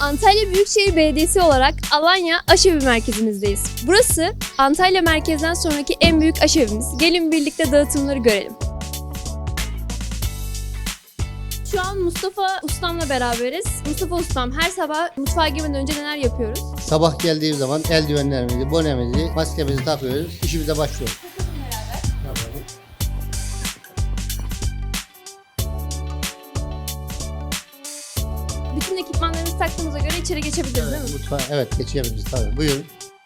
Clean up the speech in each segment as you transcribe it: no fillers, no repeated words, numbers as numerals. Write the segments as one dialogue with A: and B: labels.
A: Antalya Büyükşehir Belediyesi olarak Alanya Aşevi merkezimizdeyiz. Burası Antalya merkezden sonraki en büyük aşevimiz. Gelin birlikte dağıtımları görelim. Şu an Mustafa Ustam'la beraberiz. Mustafa Ustam, her sabah mutfağa girmeden önce neler yapıyoruz?
B: Sabah geldiğim zaman eldivenlerimizi, bonemizi, maskemizi takıyoruz, işimize başlıyoruz.
A: Bütün ekipmanlarımızı taktığımıza göre içeri geçebiliriz değil mi?
B: Mutfağa, evet geçebiliriz tabii. Buyurun.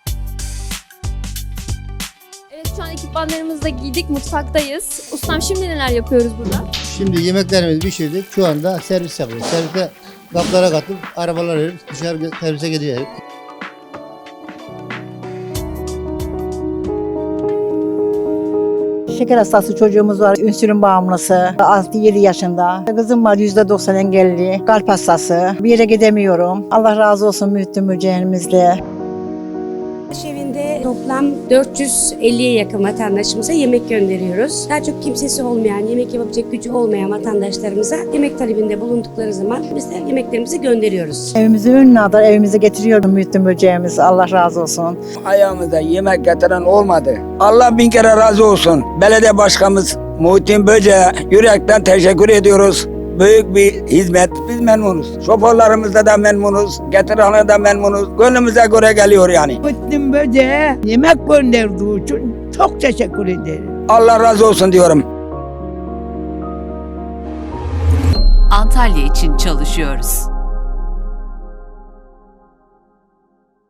A: Evet, şu an ekipmanlarımızı da giydik, mutfaktayız. Ustam, şimdi neler yapıyoruz burada?
B: Şimdi yemeklerimizi pişirdik. Şu anda servis yapıyoruz. Servise kaplara katıp arabalar verip dışarı servise gidiyoruz.
C: Şeker hastası çocuğumuz var, insülin bağımlısı, 6-7 yaşında. Kızım var %90 engelli, kalp hastası. Bir yere gidemiyorum. Allah razı olsun Mühtüm Müceğimizle.
D: Evinde toplam 450'ye yakın vatandaşımıza yemek gönderiyoruz. Daha çok kimsesi olmayan, yemek yapabilecek gücü olmayan vatandaşlarımıza yemek talebinde bulundukları zaman biz de yemeklerimizi gönderiyoruz.
C: Evimizi ünlü adar, evimize getiriyorum Mühtüm Müceğimiz. Allah razı olsun.
E: Ayağımıza yemek getiren olmadı. Allah bin kere razı olsun. Belediye başkanımız Muhittin Böce'ye yürekten teşekkür ediyoruz. Büyük bir hizmet. Biz memnunuz. Şoförlerimizde de memnunuz. Getirenler de memnunuz. Gönlümüze göre geliyor yani.
F: Muhittin Böce'ye yemek gönderdiği için çok teşekkür ederim.
E: Allah razı olsun diyorum.
G: Antalya için çalışıyoruz.